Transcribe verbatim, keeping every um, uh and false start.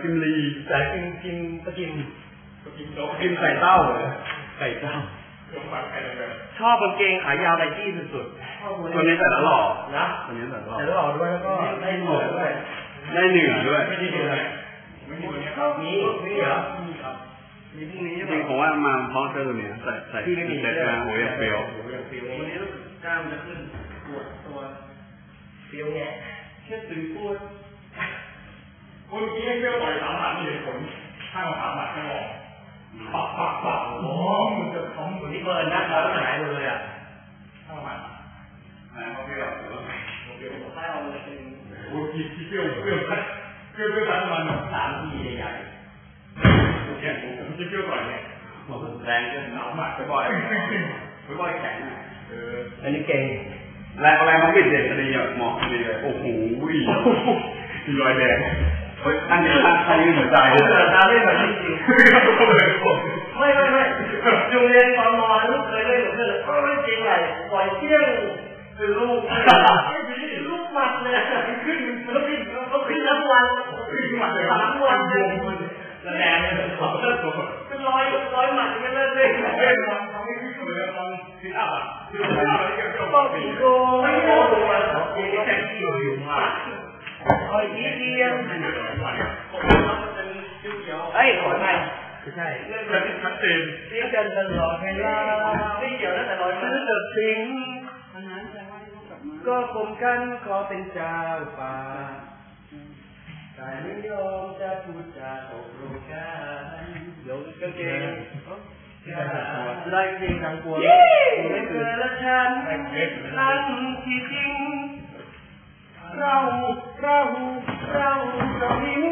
กิมลีแต่กิมกิมตะกิมตะกิมโตกิมไก่เต้าเลยไก่เต้าชอบกางเกงขายาวไนกี้สุดๆตัวนี้แต่ละหล่อนะตัวนี้แต่ละหล่อแต่ละหล่อด้วยแล้วก็ได้เหนือด้วยได้เหนือด้วยไม่ได้เหนือไม่มีนี้นี่เหรอมีครับมีพรุ่งนี้จริงผมว่ามาเพราะเสื้อตัวนี้ใส่ใส่ใส่กางหัวอย่างเฟี้ยววันนี้กล้ามจะขึ้นปวดตัวเฟี้ยวแง่แค่ตึงปวดคนกี้ให้เฟี้ยวต่อยสามหมัดมีเหตุผลข้างสามหมัดไม่ออกปักปักปักโอ้มันจะท้องตัวนี้เบิร์นนะแล้วหายหมดเลยอ่ะข้างหมัดหายเขาเฟี้ยวเฟี้ยวถ้าเอาเลยเป็นโอ้ยที่เฟี้ยวเฟี้ยวเฟี้ยวเฟี้ยวประมาณสามทีใหญ่ๆโอเคผมจะเฟี้ยวต่อยเนี่ยแรงจนหนาวมากไปบ่อยไปบ่อยแข็งเอออันนี้เก่งแรงอะไรมันปิดเด็กอันนี้เหมาะดีเลยโอ้โหมีรอยแดงเฮ้ยอันนี้อันนี้เหมือนใจเลยตาเล่นแบบจริงๆไม่ไม่ไม่โรงเรียนตอนมอลูกเคยเล่นกับเพื่อนก็ไม่จริงเลยปล่อยเที่ยงคือลูกลูกหมัดเลยขึ้นแล้วขึ้นแล้วขึ้นทั้งวันขึ้นหมัดเลยทั้งวันเลยแรงเลยขอบเลิกตัวเป็นร้อยร้อยหมัดไม่เลิกเลยเล่นทำทำให้ขึ้นเลยทำขึ้นอัพอ่ะขึ้นอัพแล้วก็ต้องตีโก้ไม่โก้ตัวเองแข่งที่อยู่มาคอยยิ้มเยี่ยมเอ้ยขอไทยไม่ใช่เรื่องการชัดเจนเรียกกันตลอดเวลาไม่เกี่ยวนะแต่ลอยซื้อเดือดสิงก็กลมกันขอเป็นเจ้าป่าแต่ไม่ยอมจะพูดจาตกลงกันโยนกางเกงไล่เพลงทางกวนไม่เคยละฉันนั่นที่จริงเราเราเราเรามี